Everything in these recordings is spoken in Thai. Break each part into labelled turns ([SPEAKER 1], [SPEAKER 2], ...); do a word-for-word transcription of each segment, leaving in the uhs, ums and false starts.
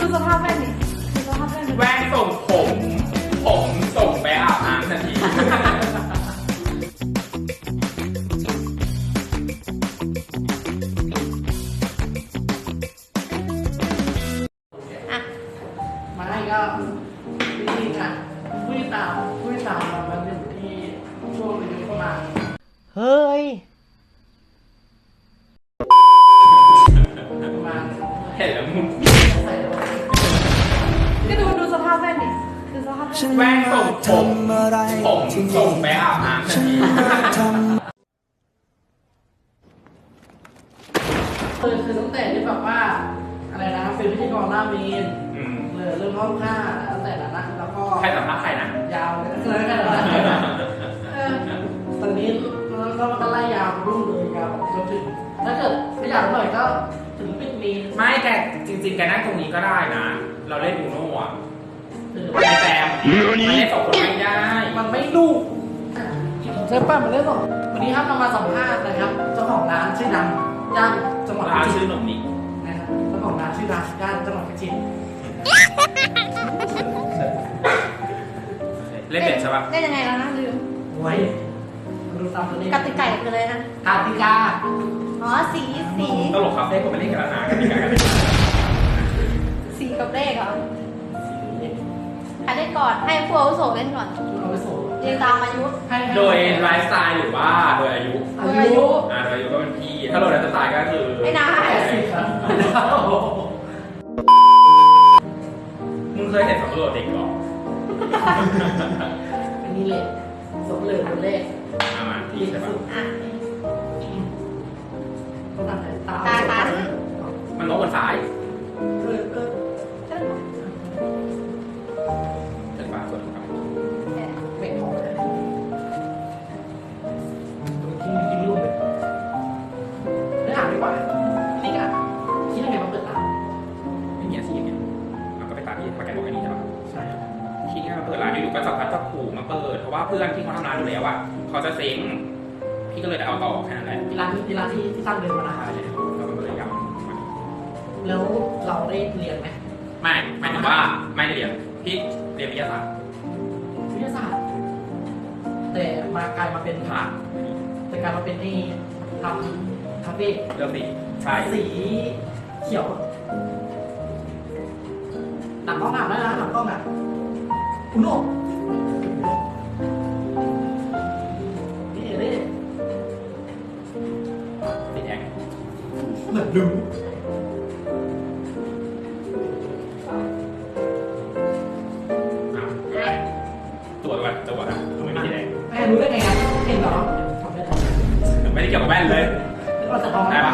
[SPEAKER 1] สภาพแว่นดิดูสภาพแว่นดิ
[SPEAKER 2] แว่นส่งผม ผมส่งไปอาบน้ำทันที
[SPEAKER 3] ไม่ก็จริงๆอ่ะผู้ติดตามผู้ติดตามเรามันอยู่ที่ช่วงอายุประมาณเฮ้ยประมาณ
[SPEAKER 2] เห็นแล้วมึง
[SPEAKER 3] ใส่แล้ว
[SPEAKER 1] ก็ดูดูสภาพแว่นดิดูสภาพแว่น
[SPEAKER 2] แว่นส่งผมผมส่งไปอาบน้ำทันที
[SPEAKER 3] คือคือตั้งแต่ที่แบบว่าอะไรนะเป็นพิธีกรหน้าเมน
[SPEAKER 2] อืม
[SPEAKER 3] เลยเริ่มเข้าค่าตั้งแต่นั้นนะแล้วก็
[SPEAKER 2] ใครสัมภาษณ์ใครนะ
[SPEAKER 3] ยาวเลยเลยกันนะเออตอนนี้แล้วก็มันก็ไล่ยาวรุ่งเลยยาวจนถึงถ้าเกิดขยับหน่อยก็ถึงปิดมีน
[SPEAKER 2] ไม่แกจริงๆแกนั่งตรงนี้ก็ได้นะ เราเล่นอูโน่อะ
[SPEAKER 3] คือ
[SPEAKER 2] ไม่แซมมันเล่นสองคนไม่ได้
[SPEAKER 3] มันไม่ลูกใช่ป่ะมันเล่นสองวันนี้ครับเรามาสัมภาษณ์นะครับเจ้าของร้านชื่อดังย่านจังหวัด
[SPEAKER 2] ร้าน
[SPEAKER 3] พิจิ
[SPEAKER 2] ชื่อ
[SPEAKER 3] ตร
[SPEAKER 2] หนุ่มนี่
[SPEAKER 3] นะครับเจ้าของร้านชื่อดังย่านจังหวัดพิจิตร
[SPEAKER 2] เล่นเด็ดใช่ปะ
[SPEAKER 1] เล่นยังไงแล้วนะลืม
[SPEAKER 3] ไว้ดูตามตัวนี้
[SPEAKER 1] กติกาคืออะไรนะ
[SPEAKER 3] กติกา
[SPEAKER 1] อ๋อสีสี
[SPEAKER 2] ตลกครับเล่นคนไปเล่นกันแล้วนะกันดีกันกัน
[SPEAKER 1] สีกับเลขเหรอใครเล่นก่อนให้ผู้อาวุโสเล่นก่อน
[SPEAKER 3] เอาไปส่ง
[SPEAKER 1] เรียงตามอายุ
[SPEAKER 3] ให้ให้
[SPEAKER 2] โดยไลฟ์สไตล์หรือว่าโดยอายุ
[SPEAKER 3] อายุ
[SPEAKER 2] อ่าโดยอายุก็เป็นพี่ ถ้าโดยไลฟ์สไตล์ก็คือ
[SPEAKER 1] ไม่ได้
[SPEAKER 3] แปดสิบครับ
[SPEAKER 2] มึงเคยเห็นสำรวจเด็กหรอ
[SPEAKER 3] อันนี้เลขสมเลยเป็นเลข
[SPEAKER 2] อ่ามาพี่ใช่ปะ
[SPEAKER 1] อ่ะ
[SPEAKER 3] ตาตา
[SPEAKER 1] ตาตา
[SPEAKER 2] มันลบบนซ้าย
[SPEAKER 3] เออเออ
[SPEAKER 1] เล่น
[SPEAKER 2] ถึงปะส่วนถูกครับ
[SPEAKER 3] ไม่พอเลยกินกินลูกเลยไม่อ่านดีกว่านี่ก็คิดยังไงมาเปิดร้าน
[SPEAKER 2] อย่างเงี้ยสิอย่างเงี้ยเราก็ไปตามที่ประกันบอกอันนี้ใช่ปะ
[SPEAKER 3] ใช่ครับ
[SPEAKER 2] ที่มาเปิดร้านอยู่ๆก็จับพัดจับผูมาเปิดเพราะว่าเพื่อนที่เขาทำร้านอยู่แล้วอ่ะเขาจะเซ็งพี่ก็เลยได้เอาต่อแค่นั้นแหละ
[SPEAKER 3] ที่ร้านที่ร้านที่ที่ตั้งเดินมานะ
[SPEAKER 2] ใช่แล้วมันก็เลยยาว
[SPEAKER 3] แล้วเราได้เรียนไหม
[SPEAKER 2] ไม่หมายถึงว่าไม่ได้เรียนพี่เรียนวิทยาศาสตร์
[SPEAKER 3] วิทยาศาสตร์แต่มากลายมาเป็น
[SPEAKER 2] ผ่าน
[SPEAKER 3] แต่กลายมาเป็นนี่ทำคาเฟ่
[SPEAKER 2] เรื่องสีใช่
[SPEAKER 3] สีเขียวหนังกล้องหนังได้นะหนังกล้องอ่ะอุโน่นี่นี่
[SPEAKER 2] สีแดง
[SPEAKER 3] เหมือนดู
[SPEAKER 2] อ้าวตัวก่อนตัวนะทำไมไม่สีแดง
[SPEAKER 3] แม่รู้ได้ไงครับเห็นเหรอทำได้ไหม
[SPEAKER 2] ไม่ได้เกี่ยวกับแว่นเลย
[SPEAKER 3] แล้วเราจะทอง
[SPEAKER 2] ได้ปะ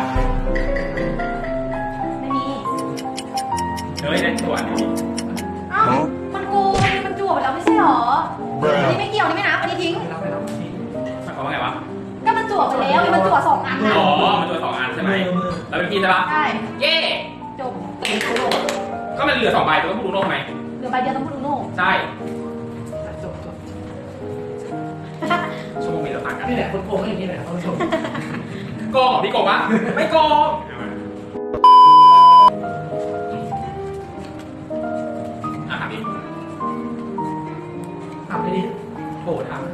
[SPEAKER 1] ไม่มี
[SPEAKER 2] เฮ้ยได้ตัวนี้
[SPEAKER 1] อ้าวมันโกงมันจั่วไปแล้วไม่ใช่หรออันนี้ไม่เกี่ยวนี่ไม่นับอันนี้ทิ้ง
[SPEAKER 3] ไปรับไปรับทิ้ง
[SPEAKER 2] หมายความว่าไงวะ
[SPEAKER 1] ก็มันจั่วไปแล้วมันจั่วสองอันนะ
[SPEAKER 2] อ๋อมันตัวสองอันใช่ไหมแล้วเป็นพี่ใช่ปะ
[SPEAKER 1] ใช่
[SPEAKER 2] เย่
[SPEAKER 1] จบ
[SPEAKER 3] เป็นโคโน่
[SPEAKER 2] ก็มันเหลือสองใบตัวก็พูดโน่ไหม
[SPEAKER 1] เหลือใบเดียวต้องพูดอุโน่
[SPEAKER 2] ใช่
[SPEAKER 3] จบจบ
[SPEAKER 2] ชั่วโมงนี้เราต่างกัน
[SPEAKER 3] นี่แหละคนโกงอย่างนี้แหละท่านผู้ชม
[SPEAKER 2] โกงเหรอพี่โกงปะไม่โกงอ่ะถามดิ
[SPEAKER 3] ทำไปดิ
[SPEAKER 2] โหถาม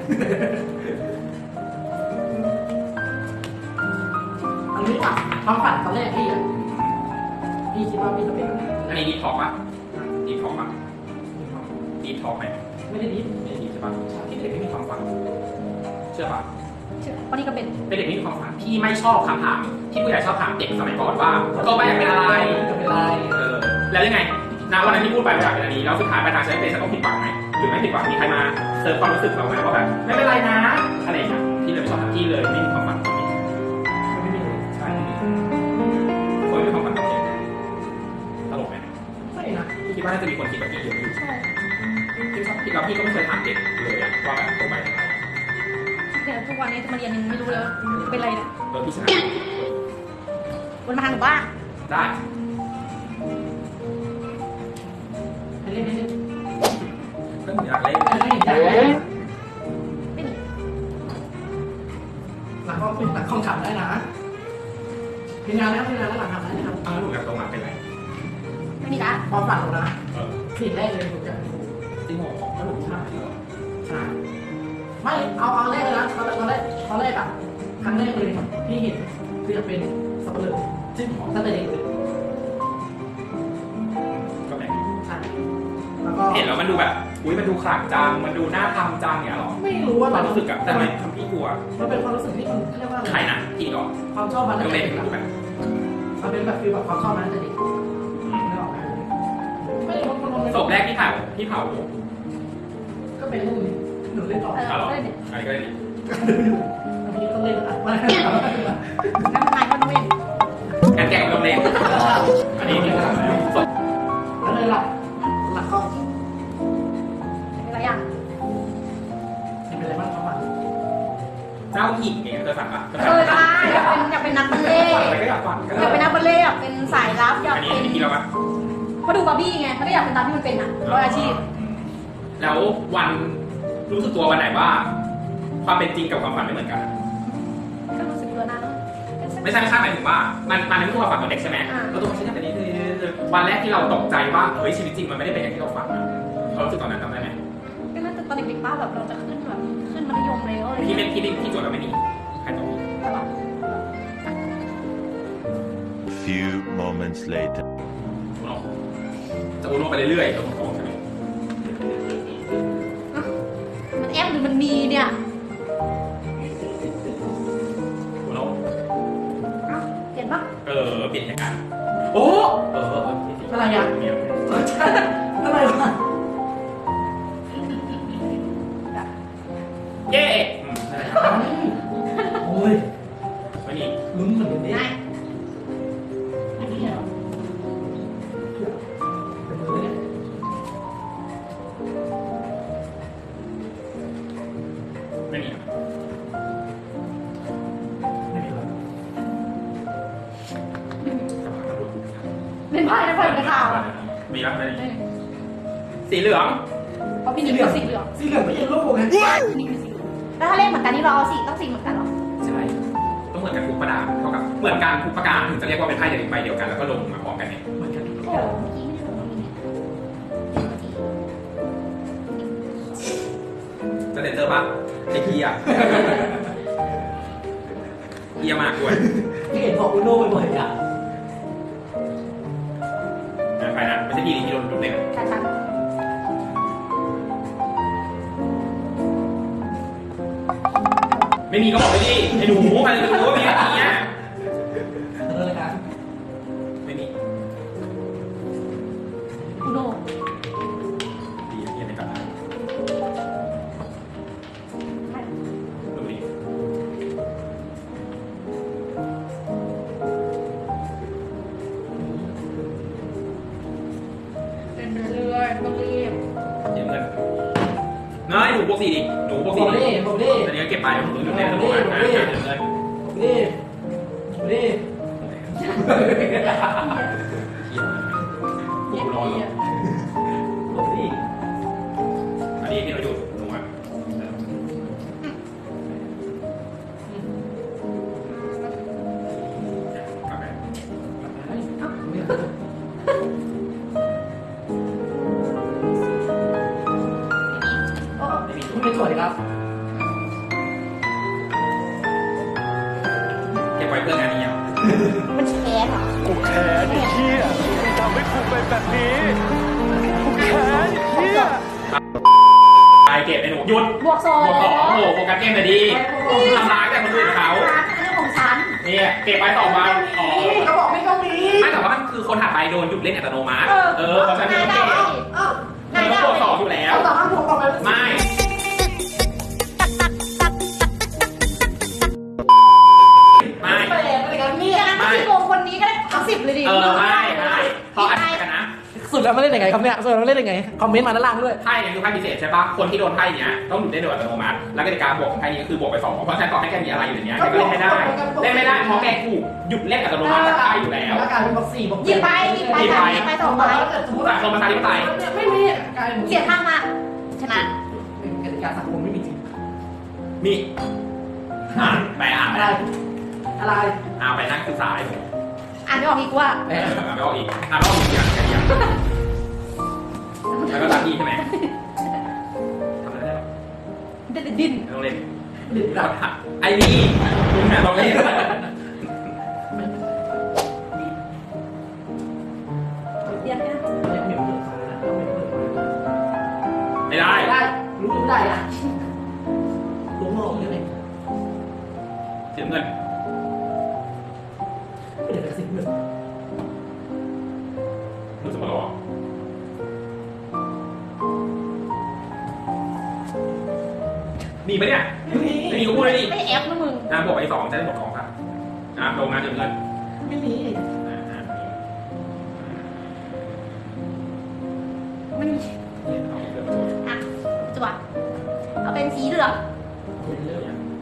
[SPEAKER 3] อันนี้อ่ะความฝันตอนแรกพี่อ่ะพี่คิดว่าพี่จะเป็นอะไร
[SPEAKER 2] อันนี้ดีท็อกปะดีท็อกปะดีท็อกไหม
[SPEAKER 3] ไม่ได้ดิฟ
[SPEAKER 2] ไม่ได้ดีใช่ปะที่เด็กไม่มีความฝันเชื่อปะ
[SPEAKER 1] วันนี้ก็เป็น
[SPEAKER 2] เป็นเด็กไม่มีความฝันพี่ไม่ชอบคำถามที่ผู้ใหญ่ชอบถามเด็กสมัยก่อนว่าโตไปอยากเป็นอะไร
[SPEAKER 3] จะเป็นไร
[SPEAKER 2] เออแล้วยังไงณวันนั้นที่พูดไปว่าอยากเป็นอันนี้แล้วสุดท้ายไปทางใช้เป็นฉันต้องผิดหวังไหมหรือไม่ผิดหวังมีใครมาเซิร์ฟความรู้สึกเราไหมว่าแบบไม่เป็นไรนะอะไรอย่างเงี้ยพี่เลยไม่ชอบพี่เลยไม่มีความฝันตรงนี้
[SPEAKER 3] ไม่มีเลย
[SPEAKER 2] ใช่คนไม่มีความฝันตรงนี้ตลกไหม
[SPEAKER 3] ไม่นะ
[SPEAKER 2] พี่คิดว่าน่าจะมีคนคิดแบบพี่เยอะอยู่
[SPEAKER 1] ใช่
[SPEAKER 2] พี่ชอบพี่แล้วพี่ก็ไม่เคยถามเด็กเลยอะว่าแบบตรงไปเป็นอะไร
[SPEAKER 1] แต่ทุกวันนี้มาเรียนยังไม่รู้เลยว่าเป็นอะไรเนี่ย
[SPEAKER 2] โดยพี่ชนะ
[SPEAKER 1] วันมาทางหนูบ้า
[SPEAKER 2] ได้
[SPEAKER 3] ให้เล่นให้เล่น
[SPEAKER 2] เรื่องอยากเล่น
[SPEAKER 3] ให้เล่นใจ
[SPEAKER 1] ไม่มี
[SPEAKER 3] หลังก็เป็นหลังคอมขับได้นะพิจารณาแล้วพิจารณาแล้วหลังขับได้นะครับ
[SPEAKER 2] อ้าวหนูอยากตรงมาเป็นไร
[SPEAKER 1] ไม่มีละ
[SPEAKER 3] ความฝันของนะ
[SPEAKER 2] เออ
[SPEAKER 3] สิ่งแรกเลยผมจะ
[SPEAKER 2] จริงเหรอขนมชาเหรอ
[SPEAKER 3] ใช่ไม่เอาเอาแรกเลยนะตอนแรกตอนแรกตอนแรกอะครั้งแรกเลยที่เห็นคือจะเป็นสับปะรดซึ่งตั้งแต่เด็กเลย
[SPEAKER 2] ก็แปลก
[SPEAKER 3] ใช่แล้วก็
[SPEAKER 2] เห็นแล้วมันดูแบบอุ้ยมันดูขลังจังมันดูน่าทำจังเนี่ยหรอ
[SPEAKER 3] ไม่รู้ว่า
[SPEAKER 2] ความ
[SPEAKER 3] มัน
[SPEAKER 2] รู้สึกอะแต่ทำไมทำพี่กลัว
[SPEAKER 3] มันเป็นความรู้สึกที่มันเรียกว่า
[SPEAKER 2] ใครนะพี่ก่อน
[SPEAKER 3] ความชอบมัน
[SPEAKER 2] โรงเรียน
[SPEAKER 3] เด็ก
[SPEAKER 2] ถึงรู้แบบ
[SPEAKER 3] มันเป็นแบบฟีลแบบความชอบมันตั้งแต่เด็กไม่ออกไหมไม่รู้มันมัน
[SPEAKER 2] ศพแรกที่เผาพี่เผา
[SPEAKER 3] ก็เป็นลูกหนูเล่นต่อ
[SPEAKER 1] เออ
[SPEAKER 2] เอาหรอ
[SPEAKER 1] ได้เนี่ย
[SPEAKER 2] อันนี้ก็ได้ดี
[SPEAKER 3] อันนี้ต้องเล่นอ่ะมา
[SPEAKER 1] น้ำนายก็ด้วย
[SPEAKER 2] แอนแกะโรงเรียนอันนี้นี่ศพ
[SPEAKER 3] แล้วเลยหลักหลักก็
[SPEAKER 1] อะไรอย่าง
[SPEAKER 3] เป็นอะไรบ้างครับมัน
[SPEAKER 2] เจ้าหญิงเนี่ยเคยฝันปะ
[SPEAKER 1] เออได้อยากเป็นอยากเป็นนักบัลเล่ต์
[SPEAKER 2] ฝันอะไรก็อยากฝันก็
[SPEAKER 1] อยากเป็นนักบัลเล่ต์อยากเป็นสายลับอยาก
[SPEAKER 2] อันนี้
[SPEAKER 1] เป็น
[SPEAKER 2] พี่เราปะ
[SPEAKER 1] เพราะดูบาร์บี้ไงไม่ได้อยากเป็นตามที่มันเป็นอ่ะร้อยอาชีพ
[SPEAKER 2] แล้ววันรู้สึกตัววันไหนว่า ความเป็นจริงกับความฝันไม่เหมือนกัน
[SPEAKER 1] ก็รู้สึกตัวนั้น
[SPEAKER 2] ไม่ใช่ไม่ใช่หมายถึงว่า มันมันไม่ใช่ความฝันของเด็กใช่ไหม
[SPEAKER 1] อ่า
[SPEAKER 2] แล้วตัวมันใช่แต่นี้คือวันแรกที่เราตกใจว่าเฮ้ยชีวิตจริงมันไม่ได้เป็นอย่างที่เราฝันอะเรารู้สึกตอนนั้นจำได้ไหม
[SPEAKER 1] ก็น่าจะตอนเด็กๆป้าแบบเราจะขึ้นแบบขึ้นมัธยมแล้วอะไร
[SPEAKER 2] ที่
[SPEAKER 1] เงี้
[SPEAKER 2] ไม่
[SPEAKER 1] ย
[SPEAKER 2] ที่ที่ที่โจทย์เราไม่มีใครตอบผิด
[SPEAKER 1] แต่ว่า
[SPEAKER 4] Few moments later.
[SPEAKER 2] อุโนจะอุโนไปเรื่อยๆตัวของใช่ไหม
[SPEAKER 1] มันแอปหรือมันมีเนี่ย
[SPEAKER 2] อุโน
[SPEAKER 1] เอ้าเห็นปะ
[SPEAKER 2] เออเปลี่ยนอย่างกันโอ้เออเออ
[SPEAKER 3] อะไรอ่ะ
[SPEAKER 2] เนี่ย
[SPEAKER 3] อะไรวะ
[SPEAKER 2] เย้อืมนั่นแหละ
[SPEAKER 3] โอ้ย
[SPEAKER 2] ไม่มี
[SPEAKER 3] ลุ้นเหมือนกันดิ
[SPEAKER 1] ได้
[SPEAKER 3] อันนี้เหรอเป็นมือเนี่ย
[SPEAKER 2] ไม่มี
[SPEAKER 3] ไม่มีหรอ
[SPEAKER 1] เล่นไพ่เล่นไพ่กระถาง
[SPEAKER 2] มีแล้วไม่มีสีเหลือง
[SPEAKER 1] เพราะพี่นิกคือสีเหลือง
[SPEAKER 3] สีเหลืองไม่ใช่ลูกไง
[SPEAKER 1] พี่นิกคือสีเหลืองแล้วถ้าเล่นเหมือนกันนี่เราเอาสีต้องสีเหมือนกันเหรอ
[SPEAKER 2] ใช่ต้องเหมือนกันทุกประดาเท่ากับเหมือนกันทุกประการถึงจะเรียกว่าเป็นไพ่เดียวกันใบเดียวกันแล้วก็ลงมาพร้อมกันเนี่ย
[SPEAKER 3] เหมือนกันทุก
[SPEAKER 1] โอ้
[SPEAKER 3] อย่าง
[SPEAKER 1] เมื่อกี้ไม่ได้ลงนี่เนี่ย
[SPEAKER 2] จะเซ็นเซอร์ปะไอ้เฮียเฮียมากด้วย
[SPEAKER 3] ที่เห็นบอกอุโน่บ่อยๆอ่ะ
[SPEAKER 2] ไปนะไม่ใช่พี่ที่โดนโดนเล่น
[SPEAKER 1] ชัดชัด
[SPEAKER 2] ไม่มีก็บอกไปดิไอ้หนูใครจะรู้ว่ามีอะไรเงี้ย
[SPEAKER 3] เออเลยกัน
[SPEAKER 2] ไม่มี
[SPEAKER 1] อุโน่
[SPEAKER 2] ดีนะเฮียไม่กลับมา
[SPEAKER 1] ไม่
[SPEAKER 2] ดูดิ
[SPEAKER 1] เป็นเรื่อยๆต้องรีบ
[SPEAKER 2] เดี๋ยวเงินน้อยหนูบวกสี่ดิหนูบวก
[SPEAKER 3] บ
[SPEAKER 2] สี่
[SPEAKER 3] อก
[SPEAKER 2] ดิ
[SPEAKER 3] ดิบอกดิ
[SPEAKER 2] ตอนนี้ก็เก็บไปหนูหยุดเล่นแล้วหนูอ่ะเดี๋ยวเงิน
[SPEAKER 3] บอกดิบอกดิ
[SPEAKER 2] กูรอแล้ว
[SPEAKER 3] บอกดิ
[SPEAKER 2] อันนี้ที่เราอยู่หนูอ่ะกลับไป
[SPEAKER 1] โอ้
[SPEAKER 2] ไม่มี
[SPEAKER 3] คุณเป็นสวยครับ
[SPEAKER 2] เก็บไว้เพื่องานนี้อ่ะ
[SPEAKER 1] มันแค้นเหรอ
[SPEAKER 4] กูแค้นไอ้เหี้ยที่ทำให้กูเป็นแบบนี้ กูแค้นไอ้เหี้ย
[SPEAKER 2] ไปเก็บไอ้หนูหยุด
[SPEAKER 1] บวกสอง
[SPEAKER 2] บวกสองโอ้โหโฟกัสเกมเลยดีทำร้ายแต่คนอื่นเขา
[SPEAKER 1] เป็นเรื่องของฉัน
[SPEAKER 2] เนี่ยเก็บไปสองวันอ๋อ
[SPEAKER 3] เขาบอกไม่ต้องมี
[SPEAKER 2] ไม่แต่ว่ามันคือคนถัดไปโดนหยุดเล่นอัตโนมัติ
[SPEAKER 1] เออ
[SPEAKER 2] เออเพราะฉะนั้น
[SPEAKER 1] ได้
[SPEAKER 2] ไม่ต้อง
[SPEAKER 1] ได้
[SPEAKER 2] เก็บ
[SPEAKER 3] อ้าว
[SPEAKER 2] มันต้องบวกสองอยู่แล้ว
[SPEAKER 3] เอาต่อข้างผมต่อไป
[SPEAKER 2] ไม่ ไม่
[SPEAKER 3] แปลกอะไรกันเนี่ย
[SPEAKER 1] งั้นพี่โกงคนนี้ก็ได้ทั้งสิบเลยดิ
[SPEAKER 2] เออไม่ไม่เพราะอันนี้กันนะ
[SPEAKER 3] สุดแล้วไม่เล่นยังไงครับเนี่ยสุดแล้วไม่เล่นยังไงคอมเมนต์มาด้านล่างด้วย
[SPEAKER 2] ไพ่เนี่ยคือไพ่พิเศษใช่ปะคนที่โดนไพ่เนี้ยต้องหยุดได้โดยอัตโนมัติแล้วกติกาบวกของไพ่นี้ก็คือบวกไปสองเพราะฉะนั้นต่อให้แกมีอะไรอยู่ในเนี้ยแกก็เล่นไม่ได้เล่นไม่ได้เพราะแกถูกหยุดเล่นอัตโนมัติจากไพ่อยู่แล้ว
[SPEAKER 3] แล้วกลายเป็นบอกสี่บอก
[SPEAKER 1] หยิบไปหยิบไปค่ะหยิบไปสองใบ
[SPEAKER 3] สมมติ
[SPEAKER 2] สังคมประชาธิปไตย
[SPEAKER 3] ไม่มีกลายเป็น
[SPEAKER 1] เสียข้างมาชนะ
[SPEAKER 3] กติกาสังคมไม่มีจริง
[SPEAKER 2] มีอ่านไปอ่านไป
[SPEAKER 3] อะไรอะไร
[SPEAKER 2] อ่านไปนั่งศึกษาให้ผม
[SPEAKER 1] อ่านไม่ออกอีกว่า
[SPEAKER 2] อ่านไม่ออกอีกอ่านไม่ออกอีกอย่างอย่างแล้วก็ตามพี่ใช่ไหมทำอะไรได้หรอ
[SPEAKER 1] เด็ดดิ้น
[SPEAKER 2] ต้องเล่น
[SPEAKER 3] หรือแบบ
[SPEAKER 2] ไอ้นี่มึงน่ะต้องเล่น
[SPEAKER 1] เรียนเนี่ย
[SPEAKER 3] เล่นเหมียวเปิดไฟนะต้องเหมียวเปิดไฟ
[SPEAKER 2] ไม่ได้
[SPEAKER 3] ได้รู้ไม่ได้อ่ะรู้มองยังไง
[SPEAKER 2] เสียเงิน
[SPEAKER 3] ไม่ได้กระสิบเงิน
[SPEAKER 2] ดูสมรอมีปะเนี่ยไม่มีก็พูดเลยดิ
[SPEAKER 1] ไม่แอปนะมึง
[SPEAKER 2] น้ำบวกไปสองจะได้บวกสองครับน้ำลงน้ำเสียเงิน
[SPEAKER 3] ไม่มี
[SPEAKER 2] อ่าอ่ามี
[SPEAKER 1] มันมี
[SPEAKER 2] เนี่ยเอาเรื่องมาโทษ
[SPEAKER 1] อ่ะจั่วเอาเป็นสีเหลือง
[SPEAKER 3] เป็นเรื่อง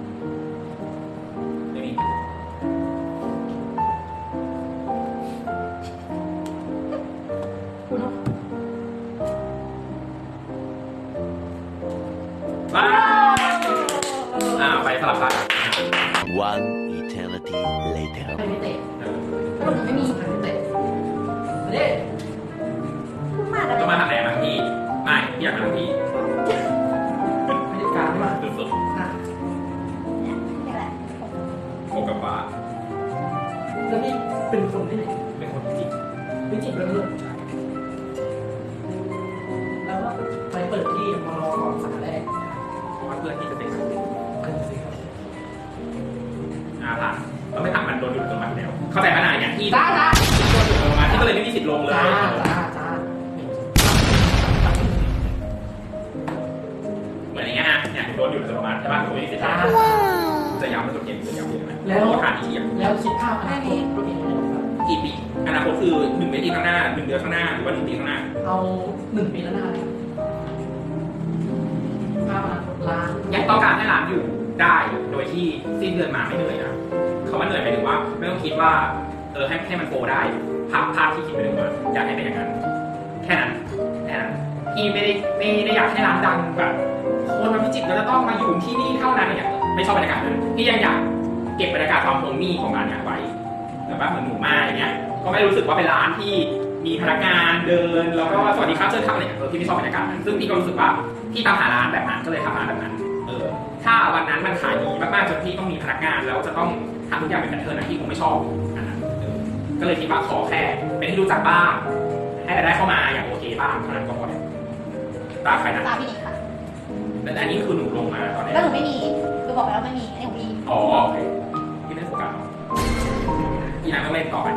[SPEAKER 2] ไม่มี
[SPEAKER 1] คุณเนาะ
[SPEAKER 2] ว้าวอ่าไปสลับกัน
[SPEAKER 5] One eternity later.
[SPEAKER 3] ไม่มีเตะ
[SPEAKER 2] เออ
[SPEAKER 1] แล้วหนูไม่มี
[SPEAKER 3] ไม่มีเตะไม่ได้
[SPEAKER 1] พูดมากอะไร
[SPEAKER 2] จะมาทางไหนมาพี่ไม่พี่อยากมาทางพี่
[SPEAKER 3] ไม่ได้การใช่ไหม
[SPEAKER 2] สุด
[SPEAKER 3] อ่ะ
[SPEAKER 1] เนี่ยนี่แหละ
[SPEAKER 2] ๆโกกับฟ้า
[SPEAKER 3] แล้วนี่เป็นคนที่ไหน
[SPEAKER 2] เป็นคนจริง
[SPEAKER 3] วิจิตรเป็นเรื่องแล้วก็ไปเปิดที่มารอก่อนสาขาแรก
[SPEAKER 2] เพราะว่าเพื่อนที่จะเป็น
[SPEAKER 3] กันสิครับ
[SPEAKER 2] อาผ่านเราไม่ถามมันโดนอยู่ตรงมันแล้วเข้าใจขนาดอย่างที่
[SPEAKER 3] ได้นะ
[SPEAKER 2] โดนอยู่ตรงมันที่ก็เลยไม่มีสิทธิ์ลงเลย
[SPEAKER 3] จ้าจ้าจ้า
[SPEAKER 2] เหมือนอย่างเงี้ยฮะเนี่ยโดนอยู่ตรงมันใช่ป่ะผมไม่มีสิทธิ์
[SPEAKER 3] จ้า
[SPEAKER 2] จะย้ำเป็นตัวเกมจะย้ำอยู่ไหม
[SPEAKER 3] แล้ว
[SPEAKER 2] ผ่านที่เทียม
[SPEAKER 3] แล้วคิดภาพอนาคตตัวเองไม่ได้ครับ
[SPEAKER 2] กี่ปีอนาคตคือหนึ่งปีข้างหน้าหนึ่งเดือนข้างหน้าหรือว่าหนึ่งปีข้างหน้า
[SPEAKER 3] เอาหนึ่งปีแล้วหน้าเลยภาพอนาคตล้าน
[SPEAKER 2] ยังต้องการให้ร้านอยู่ได้โดยที่สิ้นเดือนมาไม่เหนื่อยนะเขาว่าเหนื่อยหมายถึงว่าไม่ต้องคิดว่าเออให้ให้มันโฟได้ภาพภาพที่คิดไปถึงว่าอยากให้เป็นอย่างนั้นแค่นั้นแค่นั้นพี่ไม่ได้ไม่ได้อยากให้ร้านดังแบบคนมาพิจิตรเราจะต้องมาอยู่ที่นี่เท่านั้นเนี่ยไม่ชอบบรรยากาศนั้นพี่ยังอยากเก็บบรรยากาศความโฮมมี่ของร้านเนี่ยไว้แบบว่าเหมือนหนูมาอย่างเงี้ยก็ไม่รู้สึกว่าเป็นร้านที่มีพนักงานเดินแล้วก็สวัสดีครับเชิญทำอะไรอย่างเงี้ยเออพี่ไม่ชอบบรรยากาศนั้นซึ่งพี่ก็รู้สึกว่าพี่ตามหาร้านแบบนั้นก็เลยทำร้านแบบนั้นเออถ้าวันนั้นมันขายดีมากๆจนพี่ต้องมีพนักงานแล้วจะต้องทำทุกอย่างเป็นแพทเทิร์นนะพี่คงไม่ชอบอันนั้นเออก็เลยคิดว่าขอแค่เป็นที่รู้จักบ้างให้รายได้เข้ามาอย่างโอเคบ้างเท่านั้นก็พอแล้วตามใครนะ
[SPEAKER 1] ตาพี่นิกค่ะ
[SPEAKER 2] แต่อันนี้คือหนูลงมาตอนนี้
[SPEAKER 1] แล้วหนูไม่มีคือบอกไปแล้วไม่มีอันนี้ของพี่
[SPEAKER 2] อ๋อโอเคพี่ไม่ได้โฟกัสหรอกพี่นายต้องเล่นก่อน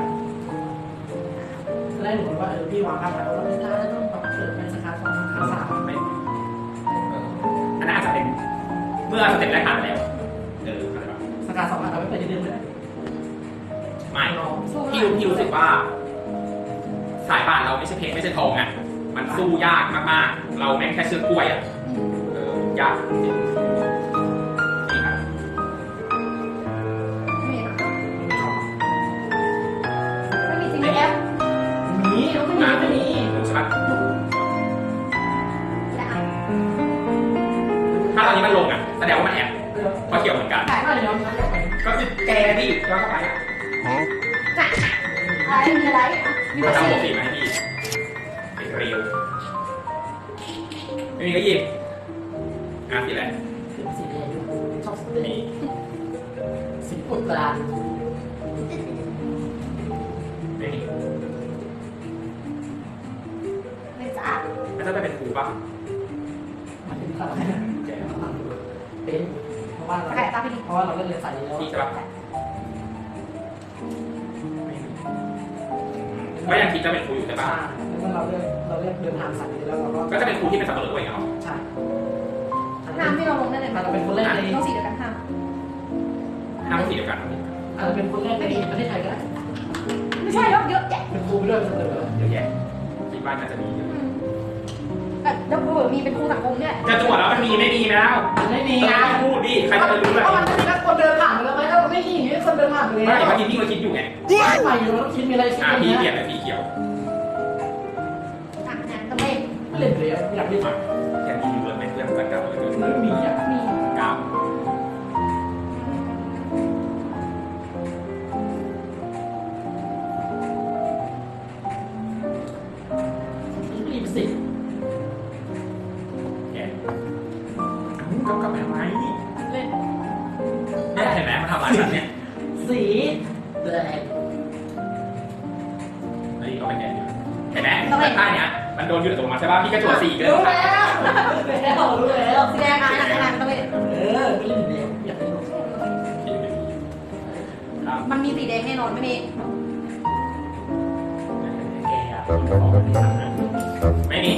[SPEAKER 3] แรกหนูคิดว่าเออพี่วางภาพแล้วว่าไม่ได้ต้องปรับเปิดเป็นสาขาสองสาขาสาม
[SPEAKER 2] ไม่เอออันนั้นอาจจะเป็นเมื่อสเต็ปแรกผ่านไปแล้วเอออะไรแบบ
[SPEAKER 3] สาขาสองอาจจะไม่เปิดที่เดิมเลย
[SPEAKER 2] ไม่พี่รู้พี่รู้สึกว่า สายป่านเราไม่ใช่เพชรไม่ใช่ทองอ่ะมันสู้ยากมากๆ เราแม่งแค่เชือกกล้วยอ่ะเออยากจริงนี่ครับ
[SPEAKER 1] ไม่มีค่ะไม่มีจริงแอป
[SPEAKER 3] มีต้องไม่มีไม่มี
[SPEAKER 2] ใช่ปะ
[SPEAKER 1] และอ่ะ
[SPEAKER 2] ถ้าตอนนี้มันลงอ่ะแสดงว่ามันแอบ
[SPEAKER 3] เออ
[SPEAKER 2] เพราะเกี่ยวเหมือนกัน
[SPEAKER 1] ขาย
[SPEAKER 3] ไม่เดี๋ยวมันจะไป
[SPEAKER 2] ก็คือแกดิย้อนเข้าไปอ่ะ
[SPEAKER 1] จ้ะอะไรมีอะไรอ่ะมี
[SPEAKER 2] เขา
[SPEAKER 1] ภา
[SPEAKER 2] ทำ
[SPEAKER 1] ษี
[SPEAKER 2] หัวปีมาให้พี่เป็นเรียวไม่มีก็หยิบอ่ะสีอะไร
[SPEAKER 3] สีสีแดงชอบสีแด
[SPEAKER 2] มี
[SPEAKER 3] งสีอุดตรา
[SPEAKER 2] ไม่มี
[SPEAKER 1] ไม่จ้ะ
[SPEAKER 2] มันจะไปเป็นครูป่ะ
[SPEAKER 3] มันเป็นอะไร
[SPEAKER 2] แก
[SPEAKER 3] เป็นเพราะว่าเรา
[SPEAKER 1] ขายตาพี่นิก
[SPEAKER 3] เพราะว่าเราก็เรียนสายนี้แล้ว
[SPEAKER 2] พี่ใช่ป่ะก็ยังคิดจะเป็นครูอยู่ใช่ป่ะ
[SPEAKER 3] ใช่แล้วเราเลือกเราเลือกเดินทางสายนี้แล้วเราก็
[SPEAKER 2] ก็จะเป็นครูที่เป็นสับปะรดด้วยเหรอ
[SPEAKER 3] ใช่
[SPEAKER 1] ห้ามที่เราลงได้เลยไหม
[SPEAKER 3] อาจจะเป็นคนแรกใน
[SPEAKER 1] ต้องสีเดียวกันห้าม
[SPEAKER 2] ห้ามสีเดียวกัน
[SPEAKER 3] อาจจะเป็นคนแรกในประเทศไทยก็ได้
[SPEAKER 1] ไม่ใช่หรอกเยอะแยะ
[SPEAKER 3] เป็นครูไปด้วยเป็นเลย
[SPEAKER 2] เยอะแยะคิดว่าน่าจะมีเยอะ
[SPEAKER 1] อืมแบบแล้วเผื่อมีเป็นครูสังคมเนี่ย
[SPEAKER 2] จะตรวจแล้วมันมีไม่มีแล้ว
[SPEAKER 3] มันไม่มี
[SPEAKER 2] เอ
[SPEAKER 3] ไง
[SPEAKER 2] อพูดดิใครจะไปรู้เลย
[SPEAKER 3] เพราะมันไม่มีนักคนเดินผ่านไปแล้วไหมถ้ามันไม่มีอย่างนี้คนเดินผ่านไปเลย
[SPEAKER 2] ไม่เมื่อกี้พี่ก็คิดอยู่ไง
[SPEAKER 3] ใหม่อยู่แล้วคิดมีอะไรคิด
[SPEAKER 2] อ่า
[SPEAKER 3] อย่าง
[SPEAKER 2] พี่
[SPEAKER 3] เงี้
[SPEAKER 2] เปลี่ย
[SPEAKER 3] ย
[SPEAKER 2] นเป็นสีเขียว
[SPEAKER 1] อ่ะงานต้องเล่น
[SPEAKER 3] ไม่เล่นเลยอยากเล่น
[SPEAKER 2] มาอย่างนี้อยู่เลยเป็นเพื่อนกันกันเลย
[SPEAKER 3] ไม่มีอ่ะ
[SPEAKER 1] มี
[SPEAKER 2] กาว
[SPEAKER 3] รีบสิ
[SPEAKER 2] เฮ้ยเขาเป็นแกนอยู่เห็นไหมแต่ท่าเนี้ยมันโดนหยุดอัตโนมัติใช่ป่ะพี่ก็จั่วสี่ก็
[SPEAKER 3] รู้
[SPEAKER 2] ได้
[SPEAKER 3] แล้วรู้แล้วรู้แล้ว
[SPEAKER 1] สีแดงนะนะนะต้องเล่น
[SPEAKER 3] เออไม่เล่นเดียวอยากเล่น
[SPEAKER 2] ครับ
[SPEAKER 1] มันมีสีแดงแน่นอนไม่มี
[SPEAKER 2] แกอะไม่มี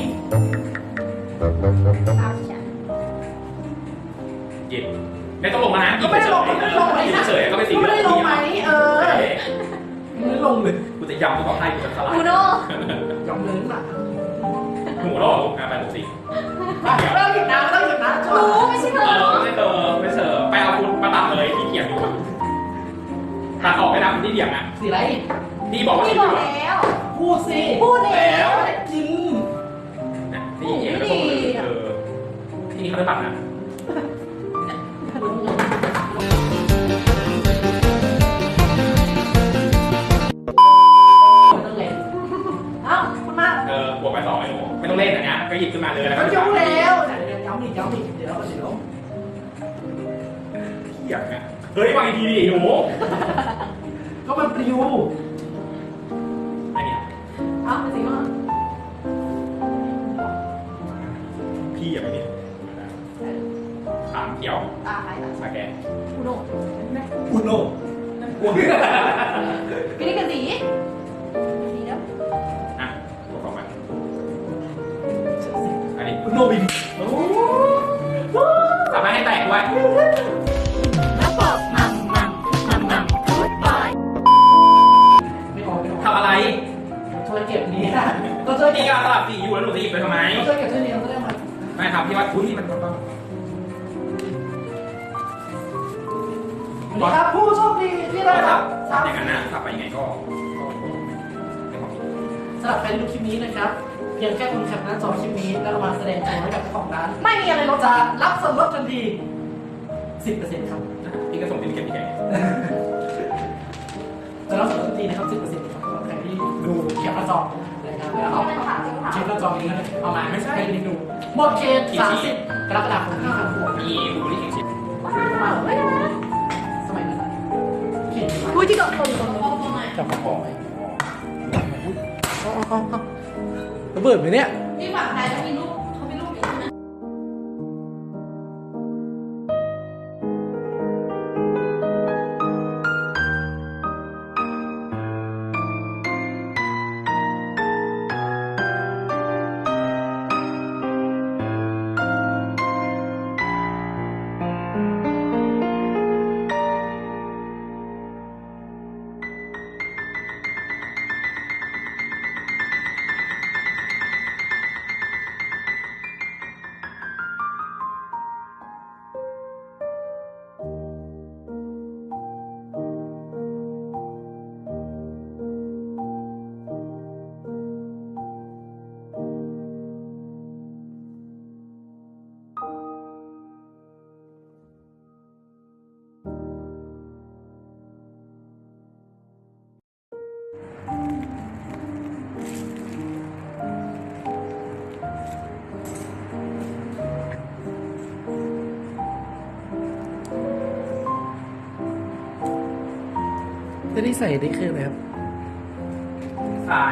[SPEAKER 1] อ้าวฉัน
[SPEAKER 2] หยิบไม่ต้องลงมานะ
[SPEAKER 3] ก็ไม่ได้ลงไม่ได้ลงไหม
[SPEAKER 2] เฉยๆก็ไปสี่
[SPEAKER 3] ก็ไม่ได้ลงไหมเออ
[SPEAKER 2] เฮ้ย
[SPEAKER 3] ไม่ได้ลงเลย
[SPEAKER 2] กูจะยำกูต้องให้กูจะสลาย
[SPEAKER 1] อูโน่
[SPEAKER 3] ยอมเลยน่ะ
[SPEAKER 2] หมูโลกอ่ะไปหมูสี่
[SPEAKER 3] ไม่ต้องหยุดนะไม่ต้องหยุดนะ
[SPEAKER 1] รู้ไม่ใช่เธ
[SPEAKER 2] เอ
[SPEAKER 1] อ
[SPEAKER 2] อไม่เติมไม่เสิร์ฟไปเอาคุณมาตัดเลยที่เขียนอยู่ตัดออกไปนะที่เดียงอ่ะ
[SPEAKER 3] สีอะไร
[SPEAKER 2] ที่บอกว่า
[SPEAKER 1] พี่
[SPEAKER 2] สี
[SPEAKER 1] บอก
[SPEAKER 2] เหลือง
[SPEAKER 1] แล้ว
[SPEAKER 3] พูดสิ
[SPEAKER 1] พูดแล้ว
[SPEAKER 3] จริง
[SPEAKER 2] นะที่เขียนแล้วก็มือเออที่นี่เขาได้ตัดนะ
[SPEAKER 3] ไม่ต้องเล่นเอ้าคุณมา
[SPEAKER 2] เออบวกไปสองไอ้หนูไม่ต้องเล่นอันเนี้ยก็หยิบขึ้นมาเลยแล้ว
[SPEAKER 3] ก็
[SPEAKER 2] ก็
[SPEAKER 3] ยกแล้วเดี๋ยวย้ำอีกย้ำอีกเดี๋ยวเดี๋ยว
[SPEAKER 2] เขียนนะเฮ้ยวางอีกทีดิหนู
[SPEAKER 3] ก็มันปลิว
[SPEAKER 2] อันเนี้ย
[SPEAKER 1] เอ้าเป็นสีม่วง
[SPEAKER 2] พี่อย่าไปเนี่ยขามเขียว
[SPEAKER 1] ตาใครตา
[SPEAKER 2] สาแกน
[SPEAKER 1] อูโน่
[SPEAKER 3] อุโน
[SPEAKER 2] อ้วง
[SPEAKER 1] พี่นี่กันสีสีแล้ว
[SPEAKER 2] อ่ะตัวของมันอันนี้
[SPEAKER 3] อุโนบิน
[SPEAKER 2] สามารถให้แตกด้วย
[SPEAKER 1] แล้วบอกมัมมัมมัมมัมพูดบอย
[SPEAKER 3] ไม่ออกไม่ออก
[SPEAKER 2] ทำอะไร
[SPEAKER 3] ช่วยเก็บนี้นะก็ช่วย
[SPEAKER 2] นี่
[SPEAKER 3] เก็บ
[SPEAKER 2] ก็สลับสีอยู่แล้วหนูจะหยิบไปทำไม
[SPEAKER 3] ก็ช่วยเก็บช่วยเลี้ยงก็ได้มา
[SPEAKER 2] ไม่ครับพี่ว่าอุ้ยมันมัน
[SPEAKER 3] สวัสดีครับผู้โชคดีที่ได้
[SPEAKER 2] ก็
[SPEAKER 3] รั
[SPEAKER 2] สั
[SPEAKER 3] บบ
[SPEAKER 2] สับอย่างนั้นนะสับไปยังไงก็ก็ไม่ความผิด
[SPEAKER 3] สำหรับใครที่ดูคลิปนี้นะครับ เพียงแค่คุณแคปหน้าจอคลิปนี้แล้วเอามาแสดงตัวให้กับเจ้าของร้าน
[SPEAKER 1] ไม่มีอะไรล
[SPEAKER 3] เรา
[SPEAKER 1] ด
[SPEAKER 3] จะรับส่วนลดทันที สิบเปอร์เซ็นต์ ครับ
[SPEAKER 2] พี่ก็ส่งติดเก็บพี่แก
[SPEAKER 3] จะรับส่วนลดทันทีนะครับ สิบเปอร์เซ็นต์ ครับสำหรับใครที่ดูแคปหน้าจอนะครับแล้วเอา
[SPEAKER 1] เป็นถามเป็นถาม
[SPEAKER 3] เช็คหน้าจอนี้นะเอามาไม่ใช่ให้ดู หมดเขตสามสิบกรกฎาคมที่ผ่านมา
[SPEAKER 2] มีบุรีแข่งชิป
[SPEAKER 1] ว้าวไม่ได้นะ
[SPEAKER 3] สมัยนั้นเขต
[SPEAKER 1] อุ้ยที่กับคนคนพ่อพ่อไง
[SPEAKER 3] จับของไว้ระเบิดไหมเนี่ย
[SPEAKER 1] ที่ฝั่งไทยเขามีรูปเขามีรูปนี้นะ
[SPEAKER 3] จะได้ใส่ได้คืออะไรครับ
[SPEAKER 2] ทราย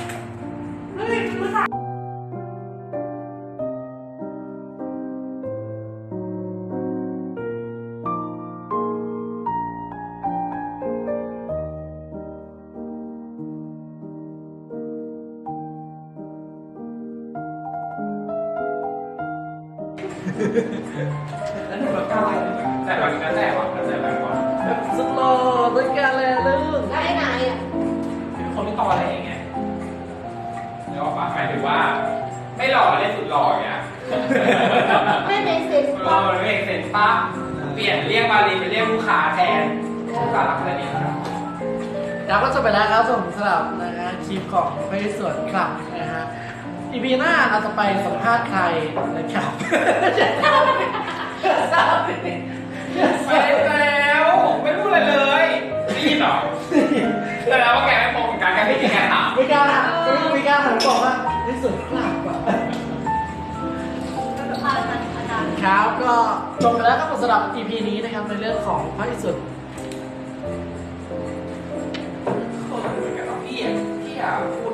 [SPEAKER 3] แล้วหนูแบบกล้าอะไร
[SPEAKER 2] แต่ก่อนนั้นแต่ก่อนนั้นแต่แบบก่อน
[SPEAKER 3] สุดหล่อด้วยกันเลยลูก
[SPEAKER 1] แล้วไอ้นายอ่ะ
[SPEAKER 2] เป็นคนไม่ต่ออะไรอย่างเงี้ยแล้วก็หมายถึงว่า ไม่หล่อเล่นสุดหล่ออย่างเงี้ย
[SPEAKER 1] ไม่เมคเซนส์
[SPEAKER 2] เราเรียกเซ็นปั๊บเปลี่ยนเรียกมาลีเป็นเรียกลูกค้าแทนลูกค้ารักแค่นี้ครับ
[SPEAKER 3] ครับก็จบไปแล้วครับผมสำหรับนะฮะคลิปของไปสวนกลับนะฮะอีพีหน้าเราจะไปสัมภาษณ์ใครนะครับ
[SPEAKER 2] ไม่ได้แล้วไม่พูดอะไรเลยได้ยินเหรอแต่แล้วว่าแกไม่มองเหมือนกันแกไม่ได้แกถาม
[SPEAKER 3] มีการถามมีการถามบอกว่าไปสวนกลับว่ะ
[SPEAKER 1] อาจารย์อาจารย์
[SPEAKER 3] ครับก็จบไปแล้วครับสำหรับ อี พี นี้นะครับในเรื่องของพระอิศวร
[SPEAKER 2] คนเหมือนกันเนาะพี่อ่ะพี่อ่ะพูด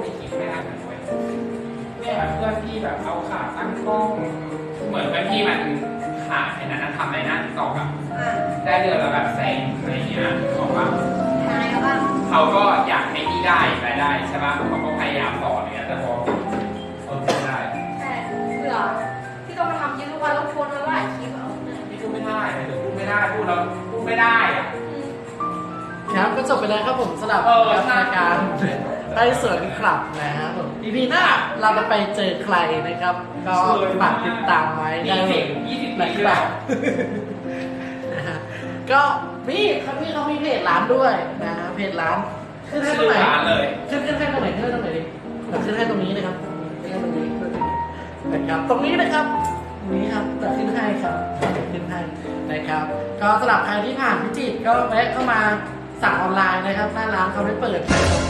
[SPEAKER 2] แบบเอาขาตั้งกล้อง เหมือนกับที่มันขายในนั้นทำในหน้าติ๊กต็อกอะ
[SPEAKER 1] อ่ะ
[SPEAKER 2] ได้เดือนละแบบแสนอะไรอย่างเงี้ยบอกว่า
[SPEAKER 1] นายเขาบ้าง
[SPEAKER 2] เขาก็อยากให้พี่ได้รายได้ใช่ป่ะเขาก็พยายามสอนอย่างเงี้ยแต่พอเออไม่ได้
[SPEAKER 1] แต่เบื่อที่ต้องมาทำยืนทุกวันแล้วโพสต์มาหลายคลิปเอาเนี่ย
[SPEAKER 2] พี่พูดไม่ได้หรือพูดไม่ได้พูดแล้วพูดไม่ได้อะ
[SPEAKER 1] อืม
[SPEAKER 3] ครับก็จบไปแล้วครับผมสำหรับ
[SPEAKER 2] เออ
[SPEAKER 3] รายการใต้สวนคลับนะครับผม อี พี หน้าเราจะไปเจอใครนะครับ ก็ฝากติดตามไว้ได้
[SPEAKER 2] ยี่
[SPEAKER 3] เล
[SPEAKER 2] สิ
[SPEAKER 3] ย
[SPEAKER 2] บยี่สิบ
[SPEAKER 3] นะ
[SPEAKER 2] ปี
[SPEAKER 3] ค
[SPEAKER 2] แล้
[SPEAKER 3] รับ
[SPEAKER 2] ว
[SPEAKER 3] นะฮะก็มีเขามีเขามีเพจร้านด้วยนะฮะเพจร้านขึ้นให้ตรงไหน
[SPEAKER 2] ชื่อร้านเลย
[SPEAKER 3] ขึ้นขึ้นให้ตรงไหนขึ้นให้ตรงไหนดิแต่ขึ้นให้ตรงนี้นะครับขึ้นให้ตรงนี้นะครับตรงนี้นะครับตรงนี้ครับจะขึ้นให้ครับขึ้นให้นะครับก็สำหรับใครที่ผ่านพิจิตรก็แวะเข้ามาสั่งออนไลน์นะครับหน้าร้านเขาได้เปิด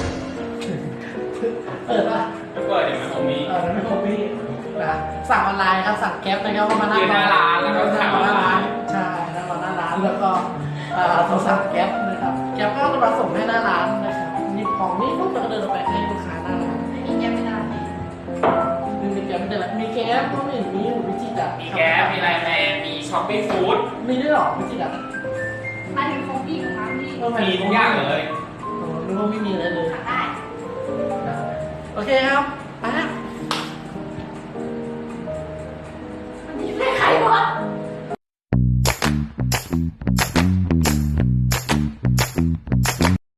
[SPEAKER 3] เปิดป่ะ
[SPEAKER 2] ไม่เปิดเดี๋ยวมันคงมี
[SPEAKER 3] เออไม่คงพี่นะสั่งออนไลน์ครับสั่งแก๊ปนะครับก็มานั่ง
[SPEAKER 2] ยืนหน้าร้านแล้วก็
[SPEAKER 3] สั่ง
[SPEAKER 2] สั่ง
[SPEAKER 3] หน้าร้าน
[SPEAKER 2] ออนไลน์
[SPEAKER 3] ใช่นั่งรอหน้าร้านแล้วก็เอ่อโทรสั่งแก๊ปนะครับแก๊ปก็จะมาส่งให้หน้าร้านนะครับมีของนี่ปุ๊บเราก็เดินออกไปให้ลูกค้าหน้าร้าน
[SPEAKER 1] ไม่มีแก้ไม่ได้
[SPEAKER 3] มีมีแก๊ปไม่ได้ละมีแก๊ปก็ไม่เห็นมีอยู่พิจิตรอ่ะ
[SPEAKER 2] มีแก๊ปมีไลน์แมนมีช้อปปี้ฟู้ด
[SPEAKER 3] มีด้วยเหรอพิจิตรอ่ะ
[SPEAKER 1] มาถึงของพี่ของน้ำพี่
[SPEAKER 3] เออ
[SPEAKER 2] มีทุกอย่างเลย
[SPEAKER 3] เออนึกว่าไม่มีอะไรเลย
[SPEAKER 1] สั่งได้
[SPEAKER 3] โอเคครับ